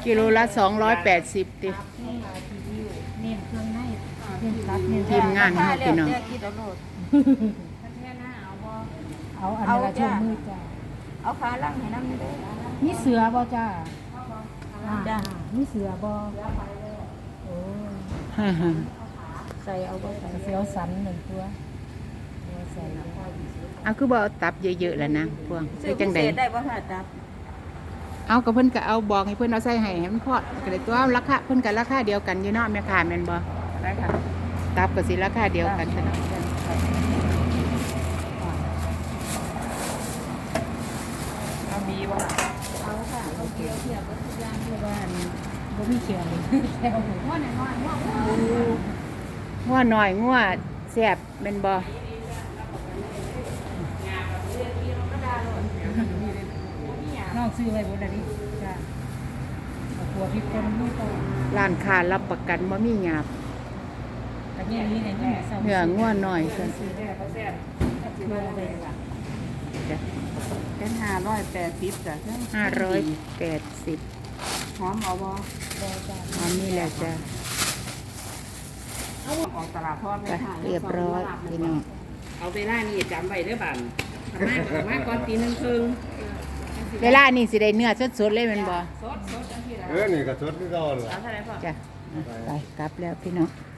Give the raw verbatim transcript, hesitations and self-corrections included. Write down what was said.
กิโลละสองร้อยแปดสิบติเน้นเครื่องในเน้นตัดเน้นทีมงานเขาพี่น้องเอาอันนี้ละช่วงมือจ้าเอาขาล่างให้น้ำไม่ได้มีเสือบ่จ้าจ้ามีเสือบ่โอ้ฮ่าฮ่าใส่เอาก็ใส่เสือสันหนึ่งตัวใส่เอาคือบ่เอาตับเยอะๆแล้วนะพวงซื้คือ อพิจังเศได๋ษได้บ่ค่ะตับเอากับเพิ่นก็เอาบอกให้เพิ่นเอาใส่ให้ให้มันพอก็ได้ตัวราคาเพิ่นก็ราคาเดียวกันอยู่เนาะแม่ค้าแม่นบ่ได้ค่ะตับก็สิราคาเดียวกันซะเนาะเอามีบ่เอาค่ะเอาเกี่ยวเทียบกับทุกอย่างเพราะว่าบ่มีเขียวเลยแค่เอาหมูว่าน้อยๆว่างัวน้อยงัวแซ่บแม่นบ่น้องซื้อไว้บ่ได้ดิจ้าเอาตัวพริกป่นนี่ก็ร้านค้ารับประกันบ่มีหยาบแต่เนี่ยนี่เนี่ยนี่เศร้าเนื้องัวน้อยซั่นซื้อได้ก็แซ่บโลเลยล่ะจ้ะเป็นห้าร้อยแปดสิบจ้ะห้าร้อยแปดสิบหอมเอาบ่บ่จ้าอันนี้แหละจ้ะออกตลาดทอดไปเรียบร้อยพี่น้องเอาเวลานี่จำไว้เด้อบัดมากมากก่อนตีหนึ่งครึ่งเวลานี่สิได้เนื้อสดๆเลยแม่นบ่สดสดจังซี่ล่ะเออนี่ก็สดคือเก่าล่ะเอาเท่าไหร่พ่อจ้ะไปกลับแล้วพี่น้องเ